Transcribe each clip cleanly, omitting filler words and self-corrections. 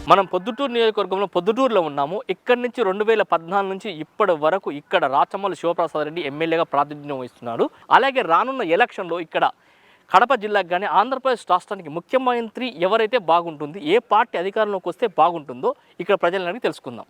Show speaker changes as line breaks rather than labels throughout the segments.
మనం పొద్దుటూరు నియోజకవర్గంలో పొద్దుటూరులో ఉన్నాము. ఇక్కడి నుంచి 2014 నుంచి ఇప్పటి వరకు ఇక్కడ రాచమల్లి శివప్రసాద్ రెడ్డి ఎమ్మెల్యేగా ప్రాతినిధ్యం వహిస్తున్నాడు. అలాగే రానున్న ఎలక్షన్లో ఇక్కడ కడప జిల్లాకు కానీ ఆంధ్రప్రదేశ్ రాష్ట్రానికి ముఖ్యమంత్రి ఎవరైతే బాగుంటుంది, ఏ పార్టీ అధికారంలోకి వస్తే బాగుంటుందో ఇక్కడ ప్రజలని తెలుసుకుందాం.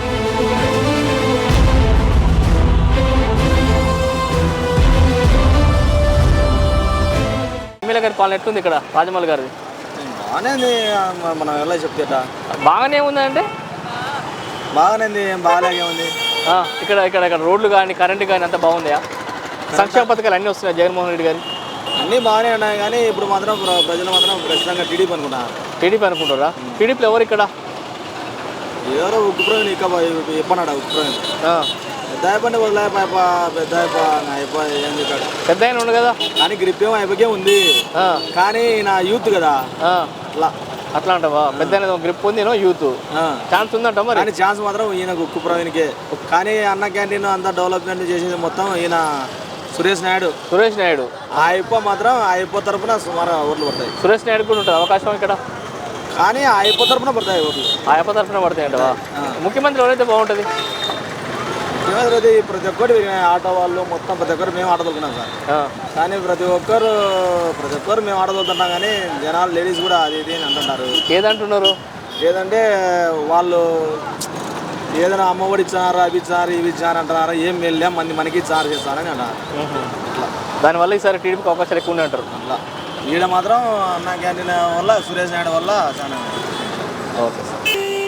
ఎమ్మెల్యే గారి పాలన ఎట్లుంది ఇక్కడ రాజమౌళి గారిది?
బాగానే మనం ఎలా చెప్తే
బాగానే ఉందంటే
బాగానే బాగాలేగే ఉంది.
ఇక్కడ ఇక్కడ ఇక్కడ రోడ్లు కానీ కరెంటు కానీ అంతా బాగుందా? సంక్షేమ పథకాలు అన్నీ వస్తున్నాయి జగన్మోహన్ రెడ్డి గారి?
అన్నీ బాగానే ఉన్నాయి, కానీ ఇప్పుడు మాత్రం ప్రజలు మాత్రం ఖచ్చితంగా టీడీపీ అనుకుంటున్నారు.
టీడీపీ అనుకుంటారా? టీడీపీలో ఎవరు ఇక్కడ?
ఎవరో ఉక్కుప్రవీణ్ ఇక చెప్పన్నాడు. ఉక్కుప్రవీణ్ పెద్ద అయిపోయి వదిలే పెద్ద అయిపోయింది
పెద్ద అయిన ఉండు కదా,
కానీ గ్రిప్ ఏమో అయిపోయే ఉంది, కానీ నా యూత్ కదా
అట్లా అంటావా? పెద్ద గ్రిప్ ఉంది, యూత్ ఛాన్స్ ఉందంట మరి.
కానీ ఛాన్స్ మాత్రం ఈయన ఉక్కుప్రవీణ్కే. కానీ అన్న క్యాంటీన్ అంతా డెవలప్మెంట్ చేసేది మొత్తం ఈయన సురేష్ నాయుడు. ఆ మాత్రం ఆ తరఫున సుమారు ఓట్లు పడతాయి.
సురేష్ నాయుడు కూడా ఉంటుంది అవకాశం ఇక్కడ,
కానీ ఆ తరఫున పడతాయి ఓట్లు.
ఆ తరఫున పడతాయి అంటవా? ముఖ్యమంత్రి ఎవరైతే బాగుంటుంది?
ముఖ్యమంత్రి ప్రతి ఒక్కరు ఆటో వాళ్ళు మొత్తం ప్రతి ఒక్కరు మేము ఆటో తోలుకున్నాం సార్. కానీ ప్రతి ఒక్కరు మేము ఆటో తోలుతున్నాం, కానీ జనాలు లేడీస్ కూడా అది ఇది అని అంటున్నారు.
ఏదంటున్నారు?
ఏదంటే వాళ్ళు ఏదైనా అమ్మఒడి ఇచ్చినారు, అవి ఇచ్చినారు, ఇవి ఇచ్చినారు అంటున్నారు. ఏం వెళ్ళాం మనకి ఇచ్చినారు చేస్తారని అంటారు.
దానివల్ల ఈసారి టీడీపీకి అవకాశాలు ఎక్కువ అంటారు.
అట్లా ఈడ మాత్రం అన్న క్యాంటీన్ వల్ల సురేష్ నాయుడు వల్ల చాలా.
ఓకే సార్,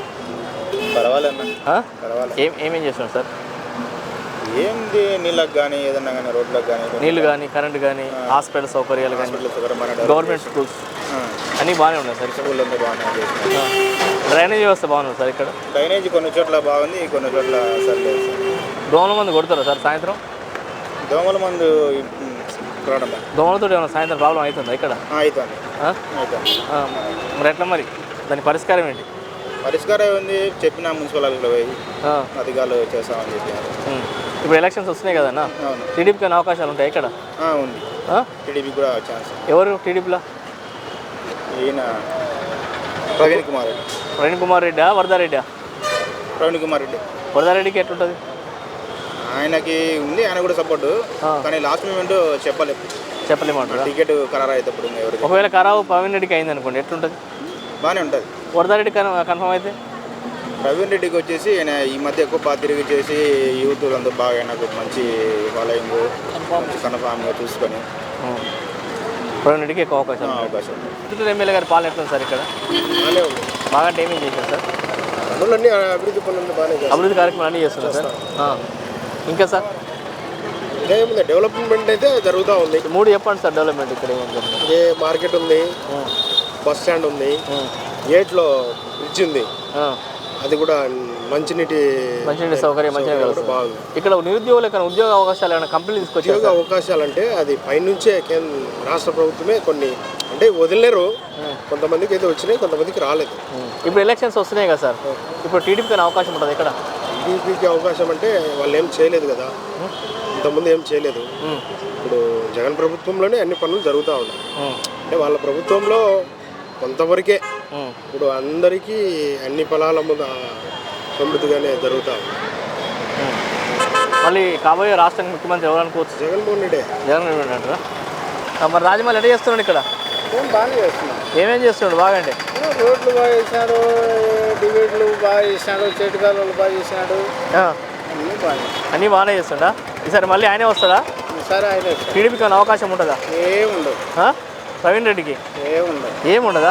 పర్వాలేదు.
ఏమేం చేస్తున్నారు సార్?
ఏంది నీళ్ళకి కానీ ఏదన్నా కానీ రోడ్లకు కానీ
నీళ్ళు కానీ కరెంట్ కానీ హాస్పిటల్ సౌకర్యాలు కానీ గవర్నమెంట్ స్కూల్స్ అన్నీ బాగానే ఉన్నాయి సార్.
స్కూల్ అంతా బాగానే.
డ్రైనేజ్ వ్యవస్థ బాగుంది సార్ ఇక్కడ?
డ్రైనేజ్ కొన్ని చోట్ల బాగుంది, కొన్ని చోట్ల సర్లేదు.
దోమల మందు కొడతారా సార్ సాయంత్రం?
దోమల మందు
దోమలతో ఏమైనా సాయంత్రం ప్రాబ్లం అవుతుందా ఇక్కడ?
అవుతుంది.
మరి ఎట్లా మరి దాని పరిష్కారం ఏంటి?
పరిష్కారం ఉంది, చెప్పిన మున్సిపల్ ఆఫీస్లో పోయి అధికారులు చేస్తామని చెప్పారు.
ఇప్పుడు ఎలక్షన్స్ వస్తున్నాయి కదన్నా, టీడీపీకి అనే అవకాశాలు ఉంటాయి ఇక్కడ?
ఉంది, టీడీపీ కూడా ఛాన్స్.
ఎవరు టీడీపీలో?
ఈయన ప్రవీణ్
కుమార్ రెడ్డా వరదారెడ్డా?
ప్రవీణ్ కుమార్ రెడ్డి.
వరదారెడ్డికి ఎట్లుంటుంది?
ఆయనకి ఉంది, ఆయన కూడా సపోర్టు, కానీ లాస్ట్ మూమెంట్ చెప్పలేమంటారు. టికెట్ ఖరారు అవుతాడు.
ఒకవేళ ఖరాబు ప్రవీణ్ రెడ్డికి అయింది అనుకోండి, ఎట్లుంటుంది?
బాగానే ఉంటుంది.
వరదారెడ్డి కన్ఫర్మ్ అయితే?
ప్రవీణ్ రెడ్డికి వచ్చేసి ఆయన ఈ మధ్య ఎక్కువ బాగా తిరిగి చేసి యూత్ అంతా బాగా నాకు మంచి ఫాలోయింగ్ కన్ఫామ్గా చూసుకొని
ప్రవీణ్ రెడ్డికి ఎక్కువ అవకాశం. చిత్తూరు ఎమ్మెల్యే గారి పాలన ఎట్లుంది సార్ ఇక్కడ? బాగా ఏమేం చేశారు సార్?
పనులన్నీ అభివృద్ధి పనులు బాగానే,
అభివృద్ధి కార్యక్రమాలు అన్నీ చేస్తున్నారు సార్. ఇంకా సార్
ఏముంది, డెవలప్మెంట్ అయితే జరుగుతూ ఉంది.
3 చెప్పండి సార్ డెవలప్మెంట్ ఇక్కడ ఏముంది?
మార్కెట్ ఉంది, బస్ స్టాండ్ ఉంది, గేట్లో బ్రిడ్జ్ ఉంది, అది కూడా మంచినీటి
సౌకర్యం మంచిగా బాగుంది. ఇక్కడ నిరుద్యోగులకు ఉద్యోగ అవకాశాలు ఏమైనా కంపెనీలు తీసుకొచ్చి
ఉద్యోగ అవకాశాలు అంటే అది పైనుంచే రాష్ట్ర ప్రభుత్వమే కొన్ని అంటే వదిలేరు, కొంతమందికి అయితే వచ్చినాయి, కొంతమందికి రాలేదు.
ఇప్పుడు ఎలక్షన్స్ వస్తున్నాయి కదా సార్, ఇప్పుడు టీడీపీకి అవకాశం ఉంటుంది ఇక్కడ?
టీడీపీకి అవకాశం అంటే వాళ్ళు ఏం చేయలేదు కదా, ఇంతకుముందు ఏం చేయలేదు. ఇప్పుడు జగన్ ప్రభుత్వంలోనే అన్ని పనులు జరుగుతూ ఉన్నాయి. అంటే వాళ్ళ ప్రభుత్వంలో కొంతవరకే, ఇప్పుడు అందరికీ అన్ని పొలాల ముందు సమృద్ధిగానే జరుగుతూ ఉంది.
మళ్ళీ కాబోయే రాష్ట్రానికి ముఖ్యమంత్రి ఎవరు అనుకోవచ్చు?
జగన్మోహన్ రెడ్డి.
అంటారా? మరి రాజమౌళి ఎట్లా చేస్తున్నాడు ఇక్కడ?
బాగానే చేస్తున్నాడు.
ఏమేం చేస్తున్నాడు బాగా? అంటే
రోడ్లు బాగా చేసినాడు, డిబేట్లు బాగా చేసినాడు, చెట్టు కాలువలు బాగా చేసినాడు,
అన్నీ బాగానే చేస్తుండా? ఈసారి మళ్ళీ ఆయనే వస్తాడా?
సరే, ఆయన
టీడీపీకి ఏమైనా అవకాశం ఉంటుందా?
ఏముండదు.
ప్రవీణ్ రెడ్డికి ఏముండదా?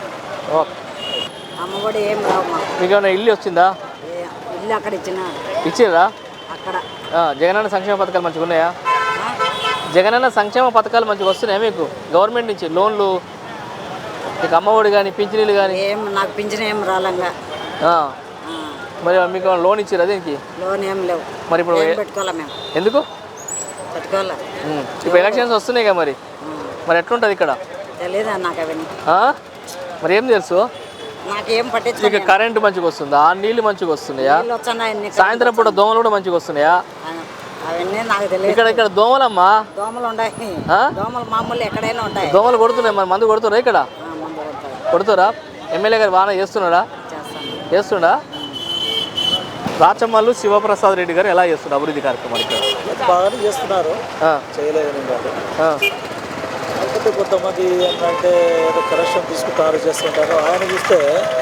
అమ్మఒడి ఏం రావు.
మీకు ఏమైనా ఇల్లు వచ్చిందా?
ఇల్లు అక్కడ
ఇచ్చిర్రా?
అక్కడ
జగనన్న సంక్షేమ పథకాలు మంచిగా ఉన్నాయా? జగనన్న సంక్షేమ పథకాలు మంచిగా వస్తున్నాయా మీకు గవర్నమెంట్ నుంచి? లోన్లు, మీకు అమ్మఒడి కానీ పింఛనీలు కానీ?
నాకు పింఛన్ ఏం రాలంగా.
మరి మీకు లోన్ ఇచ్చిరా? దీనికి
లోన్ ఏం లేవు.
మరి ఇప్పుడు
పెట్టుకోవాలా మేము?
ఎందుకు
పెట్టుకోవాలా?
ఇప్పుడు ఎలక్షన్స్ వస్తున్నాయి కదా, మరి ఎట్లుంటుంది ఇక్కడ?
తెలీదా నాకు అవన్నీ.
మరి ఏం తెలుసు?
నాకేం పట్టించు.
ఇక కరెంటు మంచిగా వస్తుందా? నీళ్ళు మంచిగా వస్తున్నాయా? సాయంత్రం పూట దోమలు కూడా మంచిగా వస్తున్నాయా?
అవన్నీ నాకు తెలియదు.
ఇక్కడ దోమలమ్మా?
దోమలు ఉన్నాయి, దోమలు మామూలు ఎక్కడైనా ఉంటాయి.
దోమలు కొడుతున్నాయి, మరి మందు కొడుతురా ఇక్కడ? కొడుతురా? ఎమ్మెల్యే గారు బాగా చేస్తున్నాడా? చేస్తుండా? రాచమల్లు శివప్రసాద్ రెడ్డి గారు ఎలా చేస్తున్నారు అభివృద్ధి కార్యక్రమాలు ఇక్కడ?
బాగానే చేస్తున్నారు, చేయలేదని కాదు. కాకపోతే కొంతమంది ఏంటంటే ఏదో కరెక్షన్ తీసుకుంటారు చేస్తుంటారు. ఆయన చూస్తే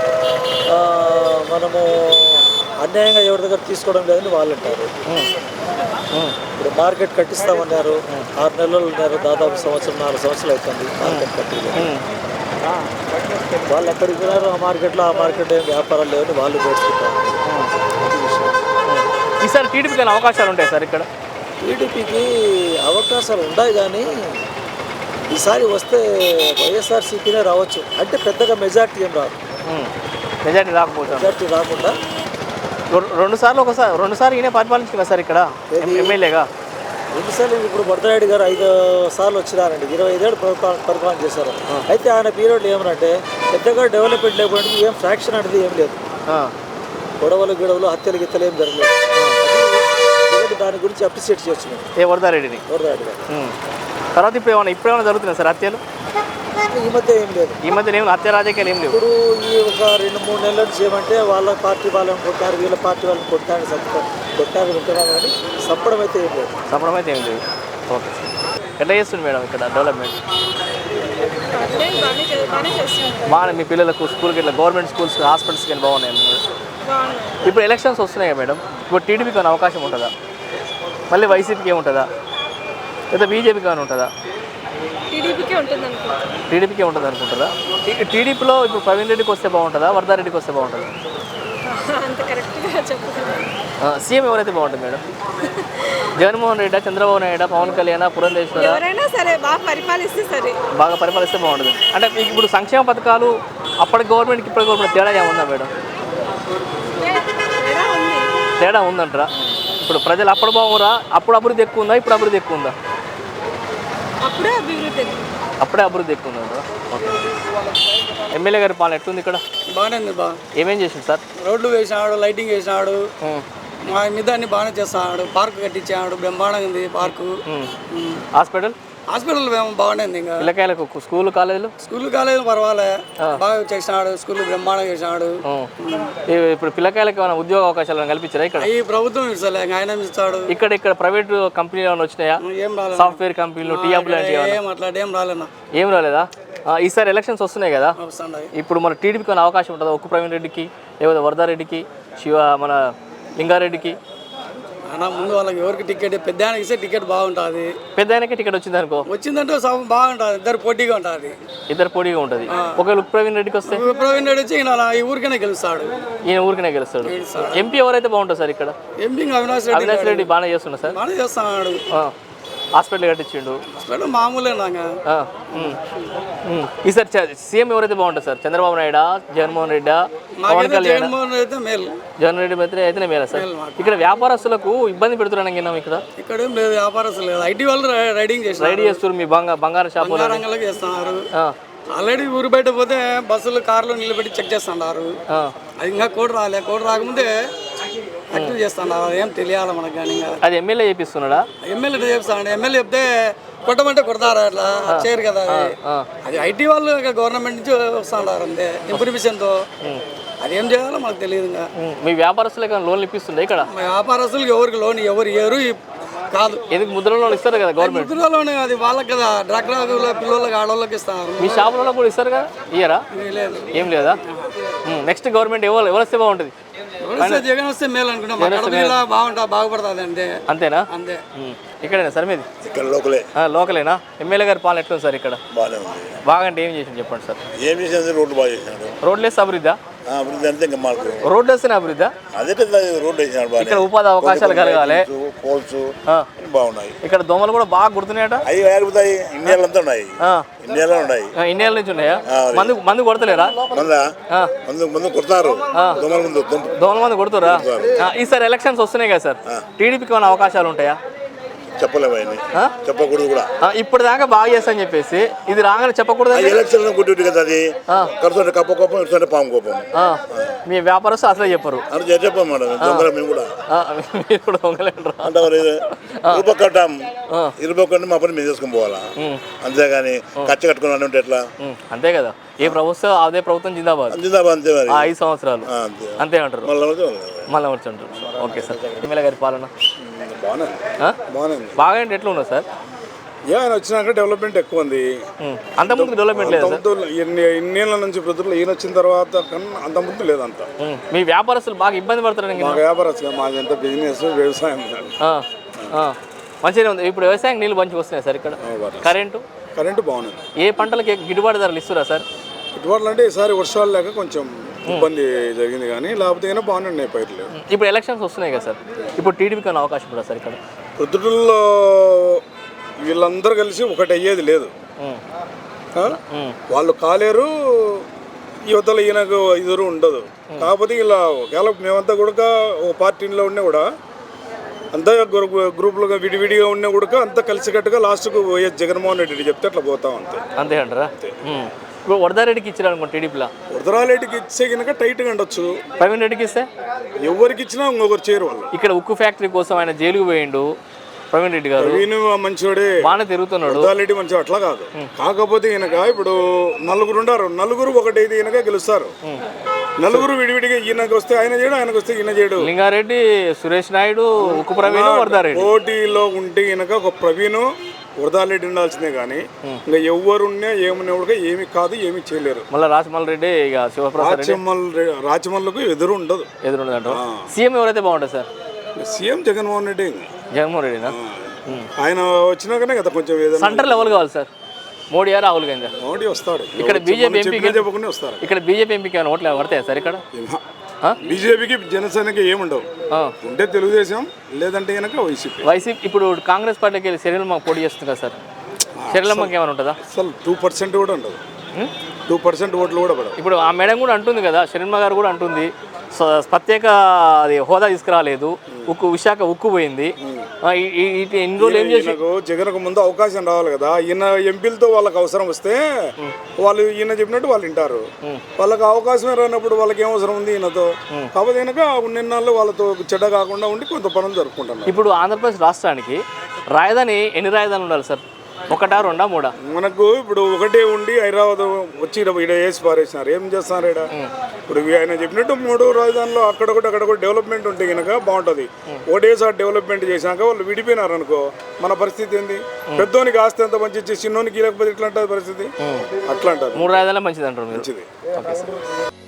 మనము అన్యాయంగా ఎవరి దగ్గర తీసుకోవడం లేదని వాళ్ళు అంటారు. ఇప్పుడు మార్కెట్ కట్టిస్తామన్నారు, 6 నెలలు ఉన్నారు, దాదాపు 4 సంవత్సరాలు అవుతుంది మార్కెట్ కట్టి. వాళ్ళు ఎక్కడికి వెళ్ళారు ఆ మార్కెట్లో ఏం వ్యాపారాలు లేవని వాళ్ళు నేర్చుకుంటారు.
ఈసారి టీడీపీకి అవకాశాలు ఉంటాయి సార్ ఇక్కడ?
టీడీపీకి అవకాశాలు ఉన్నాయి కానీ ఈసారి వస్తే వైఎస్ఆర్సీపీనే రావచ్చు. అంటే పెద్దగా మెజార్టీ ఏం రాదు.
మెజార్టీ రాకపోతే
మెజార్టీ రాకుండా
రెండుసార్లు ఈయన పరిపాలించుకున్నా సార్ ఇక్కడ ఎమ్మెల్యేగా.
రెండుసార్లు ఇప్పుడు బొడ్డరెడ్డి గారు 5 సార్లు వచ్చినారండి, 25 ఏళ్ళు పరిపాలన చేశారు. అయితే ఆయన పీరియడ్లో ఏమనంటే పెద్దగా డెవలప్మెంట్ లేకపోతే ఏం ఫ్రాక్షన్ అనేది ఏం లేదు, గొడవలు హత్యలు గిత్తలు ఏం జరగలేదు. దాని గురించి అప్రిషియేట్ చేయొచ్చు మేము
వరదారెడ్డిని.
వరదారెడ్డి గారు
తర్వాత ఇప్పుడేమైనా జరుగుతున్నాయి సార్ హత్యలు?
ఈ మధ్య ఏం లేదు.
ఈ మధ్య ఏమి హత్య రాజకీయాలు ఏం లేవు.
ఇప్పుడు ఈ ఒక 2-3 నెలల నుంచి ఏమంటే వాళ్ళ పార్టీ వాళ్ళని కొట్టారు, వీళ్ళ పార్టీ వాళ్ళని కొట్టారు వింటున్నాం కానీ సప్పడం అయితే ఏం లేదు.
సప్పడం అయితే ఏం లేదు. ఓకే. ఎట్లా చేస్తుంది మేడం ఇక్కడ డెవలప్మెంట్? బాగా మీ పిల్లలకు స్కూల్కి ఇట్లా గవర్నమెంట్ స్కూల్స్ హాస్పిటల్స్కి వెళ్ళి బాగున్నాయి. ఇప్పుడు ఎలక్షన్స్ వస్తున్నాయి కదా మేడం, ఇప్పుడు టీడీపీకి ఏమైనా అవకాశం ఉంటుందా? మళ్ళీ వైసీపీకి ఏముంటుందా లేదా బీజేపీకి ఏమైనా ఉంటుందా? టీడీపీకే ఉంటుంది అనుకుంటారా? టీడీపీలో ఇప్పుడు ప్రవీణ్ రెడ్డికి వస్తే బాగుంటుందా, వరదారెడ్డికి వస్తే బాగుంటుందా? సీఎం ఎవరైతే బాగుంటుంది మేడం? జగన్మోహన్ రెడ్డి, చంద్రబాబు నాయుడు, పవన్ కళ్యాణ్, పురంధేశ్వర?
ఎవరైనా సరే బాగా పరిపాలిస్తే
బాగుంటుంది. అంటే మీకు ఇప్పుడు సంక్షేమ పథకాలు అప్పటి గవర్నమెంట్కి ఇప్పటి గవర్నమెంట్ తేడా ఏముందా మేడం? తేడా ఉందంటారా? ఇప్పుడు ప్రజలు అప్పుడు బాగురా, అప్పుడు అభివృద్ధి ఎక్కువ ఉందా, ఇప్పుడు అభివృద్ధి ఎక్కువ ఉందా? అప్పుడే అభివృద్ధి ఎక్కువ ఉందా? ఓకే. ఎమ్మెల్యే గారి పాలన ఎట్లుంది ఇక్కడ?
బాగానే ఉంది.
ఏమేం చేసింది సార్?
రోడ్లు వేసినాడు, లైటింగ్ వేసినాడు, మా మిదాన్ని బాగానే చేస్తున్నాడు, పార్కు కట్టించాడు, బ్రహ్మాండంగా ఉంది పార్కు. హాస్పిటల్ బాగానే ఉంది. ఇంకా
పిల్లకాయలకు స్కూల్ కాలేజీలు
పర్వాలే, బాగా చేసినాడు, స్కూల్ బ్రహ్మాండంగా చేసినాడు.
ఇప్పుడు పిల్లకాయలకు ఏమైనా ఉద్యోగ అవకాశాలు కల్పించారా ఇక్కడ?
ఈ ప్రభుత్వం ఇస్తలే, ఆయన ఇస్తాడు.
ఇక్కడ ప్రైవేట్ కంపెనీలు ఏమైనా వచ్చినాయా?
ఏం రాలేదు.
సాఫ్ట్వేర్ కంపెనీలు, టీఆప్ లాంటివి
ఏం రాలేనా?
ఏం రాలేదా? ఈసారి ఎలక్షన్స్ వస్తున్నాయి కదా, ఇప్పుడు మన టీడీపీకి ఏమైనా అవకాశం ఉంటుందా? ఒక్కు ప్రవీణ్ రెడ్డికి, లేకపోతే వరదారెడ్డికి, మన లింగారెడ్డికి?
ముందు వాళ్ళకి ఎవరికి టికెట్, పెద్ద ఆయనకి ఇస్తే టికెట్ బాగుంటుంది.
పెద్ద ఆయనకి టికెట్ వచ్చింది అనుకో,
వచ్చిందంటే బాగుంటుంది, ఇద్దరు పోటీగా ఉంటుంది.
ఒకవేళ ప్రవీణ్ రెడ్డికి వస్తే?
ప్రవీణ్ రెడ్డి వచ్చి ఈ ఊరికనే గెలుస్తాడు.
ఈయన ఊరికనే గెలుస్తాడు. ఎంపీ ఎవరైతే బాగుంటుంది సార్ ఇక్కడ?
ఎంపీ అవినాష్
రెడ్డి బాగానే చేస్తున్నా సార్.
బాగానే చేస్తున్నాడు.
హాస్పిటల్ కట్టించిండు.
మామూలేనా?
ఈసారి సీఎం ఎవరైతే బాగుంటుంది సార్? చంద్రబాబు నాయుడు, జగన్మోహన్ రెడ్డి, పవన్ కళ్యాణ్? జగన్ రెడ్డి అయితేనే మేలా సార్? ఇక్కడ వ్యాపారస్తులకు ఇబ్బంది పెడుతున్నాను ఇక్కడ.
ఇక్కడ ఏం లేదు, వ్యాపారస్తులు లేదు, ఐటీ వాళ్ళు రైడింగ్
చేస్తారు. మీ బంగారు షాపు
చేస్తున్నారు. ఆల్రెడీ ఊరు బయట పోతే బస్సులు, కార్లు నిలబెట్టి చెక్ చేస్తున్నారు. అది ఇంకా కోడ్ రాకముందే యాక్టివ్ చేస్తున్నారు. ఏం తెలియాలి మనకు కానీ.
అది ఎమ్మెల్యే చేపిస్తున్నాడా?
ఎమ్మెల్యే చేపిస్తాడు. ఎమ్మెల్యే చెప్తే కొట్టమంటే కొడతారు, అట్లా చేయరు కదా. అది ఐటీ వాళ్ళు గవర్నమెంట్ నుంచి వస్తున్నారు అంతే, ఇన్ఫర్మేషన్తో. అది ఏం చేయాలో మాకు తెలియదు. ఇంకా
మీ వ్యాపారస్తులకు లోన్లు ఇప్పిస్తుంది ఇక్కడ?
వ్యాపారస్తులకు ఎవరికి లోన్ ఎవరు కాదు.
ఎందుకు ముద్ర లోన్ ఇస్తారు కదా గవర్నమెంట్?
ముద్ర లోన్ అది వాళ్ళకి కదా, డ్రాక్రా పిల్లలకి, ఆడవాళ్ళకి ఇస్తారు.
మీ షాపులలో కూడా ఇస్తారు కదా, ఇయ్యరా? లేదు. ఏం లేదా? నెక్స్ట్ గవర్నమెంట్ ఎవరు వస్తే బాగుంటుంది?
జగన్ వస్తే మేలు అనుకుంటాం. బాగుపడుతుంది అంతే.
అంతేనా?
అంతే.
ఇక్కడేనా సార్ మీది?
ఇక్కడ
లోకలేనా? ఎమ్మెల్యే గారి పాలన ఎట్లుంది సార్ ఇక్కడ? బాగా అంటే ఏం చేసింది చెప్పండి సార్.
ఏం చేసింది? రోడ్లు బాగా చేసినాడు.
రోడ్లు వేస్తే అభివృద్ధి?
అభివృద్ధి అంతే. ఇంకా మాకు
రోడ్లు వేస్తేనే అభివృద్ధి?
అదే రోడ్లు వేసినాడు.
ఇక్కడ ఉపాధి అవకాశాలు కలగాలి,
పోల్స్ బాగున్నాయి.
ఇక్కడ దోమలు కూడా బాగా గుర్తున్నాయట.
అవి ఆగిపోతాయి. ఇండియాలో అంతా ఉన్నాయి. ఇండియాలో ఉన్నాయి.
ఇండియాల నుంచి ఉన్నాయా? మందు కొడతలేరా?
మందు కొడతారు.
దోమల మందు కొడుతురా? ఈసారి ఎలక్షన్స్ వస్తున్నాయి కదా సార్, టీడీపీకి ఏమైనా అవకాశాలు ఉంటాయా?
చెప్పలేము.
చెప్పకూడదు కూడా.
ఇప్పుడు దాకా బాగా చేస్తా అని చెప్పేసి ఇది రాగానే చెప్పకూడదు.
ఎలక్షన్ కొట్టి కదా అది కడుతుంటే కప్ప కోపం ఇస్తుంటే పాము కోపం.
మీ వ్యాపారస్తు అసలే చెప్పరు
అని చెప్పాం మేడం. దొంగల మేము కూడా
మీరు కూడా దొంగలేంటారు
అంటే ఇరుపక్కటాం ఇరుపక్కటి మా పని మేము చేసుకుని పోవాలా, అంతేగాని ఖర్చు కట్టుకుని ఉంటే ఎట్లా?
అంతే కదా, ఏ ప్రభుత్వం అదే ప్రభుత్వం జిందాబాద్
జిందాబాద్ అంతే మరి.
5 సంవత్సరాలు అంతే అంటారు మళ్ళీ వచ్చి. ఓకే సార్, ఎమ్మెల్యే గారి పాలన బాగా అంటే ఎట్లా ఉన్నారు సార్?
ఆయన వచ్చినాక డెవలప్మెంట్ ఎక్కువ ఉంది.
అంతకుముందు డెవలప్మెంట్ లేదు
ఇన్నేళ్ళ నుంచి ప్రజలు ఈయన వచ్చిన తర్వాత కన్నా అంతకుముందు లేదంత.
మీ వ్యాపారస్తులు బాగా ఇబ్బంది పడతారు.
మా వ్యాపారస్తులు మాది ఎంత బిజినెస్ వ్యవసాయం
మంచిగా ఉంది. ఇప్పుడు వ్యవసాయం నీళ్ళు మంచిగా వస్తున్నాయి సార్ ఇక్కడ. కరెంటు
బాగుంది.
ఏ పంటలకి గిట్టుబాటు ధరలు ఇస్తురా సార్?
గిట్టుబాట్లు అంటే ఈసారి వర్షాలు లేక కొంచెం ఇబ్బంది జరిగింది, కానీ లేకపోతే అయినా బాగానే ఉన్నాయి పైర్లు.
ఇప్పుడు ఎలక్షన్స్ వస్తున్నాయి కదా సార్, ఇప్పుడు టీడీపీకి అనే అవకాశం కూడా సార్ ఇక్కడ?
ప్రొద్దుటూరులో వీళ్ళందరూ కలిసి ఒకటి అయ్యేది లేదు. వాళ్ళు కాలేరు, యువతలో ఈయనకు ఎదురు ఉండదు. కాకపోతే ఇలా ఒకవేళ మేమంతా కూడా ఒక పార్టీలో ఉన్నా కూడా అంతా గ్రూపులుగా విడివిడిగా ఉన్నా కూడా అంతా కలిసికట్టుగా లాస్ట్కు వైఎస్ జగన్మోహన్ రెడ్డి చెప్తే అట్లా పోతాం అంతే.
అంతే అంటారా? ఇప్పుడు వరదారెడ్డికి ఇచ్చారు అనుకో టీడీపీలో,
వరదరారెడ్డికి ఇచ్చే కనుక టైట్గా ఉండొచ్చు.
ప్రవీణ్ రెడ్డికి ఇస్తే
ఎవరికి ఇచ్చినా ఇంకొకరు చేయరు వాళ్ళు.
ఇక్కడ ఉక్కు ఫ్యాక్టరీ కోసం ఆయన జైలుకు పోయిండు ప్రవీణ్ రెడ్డి గారు.
ప్రవీణ్ మంచివాడే,
బాగానే తిరుగుతున్నాడు.
వరదరారెడ్డి మంచిగా అట్లా కాదు. కాకపోతే ఈయనక ఇప్పుడు నలుగురు ఉండారు, నలుగురు ఒకటైతే ఈయనగా గెలుస్తారు. నలుగురు విడివిడిగా ఈయనకు వస్తే ఆయన చేయడు, ఆయనకు వస్తే ఈయన చేయడు.
లింగారెడ్డి, సురేష్ నాయుడు, ఉక్కు ప్రవీణ్, వరదారెడ్డి
పోటీలో ఉంటే ఈయనక ఒక ప్రవీణ్ వరదారెడ్డి ఉండాల్సిందే, కానీ ఇంకా ఎవరున్నా ఏమన్నా కూడా ఏమి కాదు, ఏమి చేయలేరు.
మళ్ళీ రాజమల్ రెడ్డి ఇక శివప్రసాద్
రాచమల్లకు ఎదురు ఉండదు.
ఎదురుండదు. సీఎం ఎవరైతే బాగుంటుంది సార్?
సీఎం జగన్మోహన్ రెడ్డి.
జగన్మోహన్ రెడ్డినా?
ఆయన వచ్చినాకనే కదా కొంచెం ఏదైనా.
సెంటర్ లెవెల్ కావాలి సార్, మోడీ గారు రాహుల్ గాంధీ.
మోడీ వస్తాడు.
ఇక్కడ బీజేపీ ఎంపీకి
చెప్పకుండా వస్తారు.
ఇక్కడ బీజేపీ ఎంపీకి ఏమైనా ఓట్లు పడతాయి సార్ ఇక్కడ?
బీజేపీకి జనసేనకి ఏముండవు. ఉంటే తెలుగుదేశం, లేదంటే కనుక
వైసీపీ. ఇప్పుడు కాంగ్రెస్ పార్టీకి వెళ్ళి శరీరమ్మకి పోటీ చేస్తుంది కదా సార్, శరీరమ్మకి ఏమైనా ఉంటుందా?
అసలు 2% కూడా ఉండదు. 2% ఓట్లు కూడా పడవు.
ఇప్పుడు ఆ మేడం కూడా అంటుంది కదా, శరీరమ్మ గారు కూడా అంటుంది ప్రత్యేక అది హోదా తీసుకురాలేదు, విశాఖ ఉక్కు పోయింది. ఎన్ని రోజులు ఏం చేసి
జగన్కు ముందు అవకాశం రావాలి కదా. ఈయన ఎంపీలతో వాళ్ళకి అవసరం వస్తే వాళ్ళు ఈయన చెప్పినట్టు వాళ్ళు వింటారు. వాళ్ళకి అవకాశమే రానప్పుడు వాళ్ళకి ఏం అవసరం ఉంది ఈయనతో? కాబట్టి కనుక నిన్నాళ్ళు వాళ్ళతో చెడ్డ కాకుండా ఉండి కొంత పనులు జరుపుకుంటున్నారు.
ఇప్పుడు ఆంధ్రప్రదేశ్ రాష్ట్రానికి రాజధాని ఎన్ని రాజధానులు ఉండాలి సార్? 1, 2, 3?
మనకు ఇప్పుడు ఒకటే ఉండి హైదరాబాద్ వచ్చి ఇక్కడ వేసి పారేసినారు. ఏం చేస్తున్నారు ఇక్కడ? ఇప్పుడు ఆయన చెప్పినట్టు 3 రాజధానులు అక్కడ కూడా డెవలప్మెంట్ ఉంటే కనుక బాగుంటుంది. ఒకటేసారి డెవలప్మెంట్ చేసినాక వాళ్ళు విడిపోయినారు అనుకో, మన పరిస్థితి ఏంది? పెద్దోనికి ఆస్తి ఎంత మంచి ఇచ్చి చిన్నోనికి లేకపోతే ఇట్లా ఉంటుంది పరిస్థితి. అట్లా అంటారు.
3 రాజధానులు మంచిది అంటారు.
మంచిది.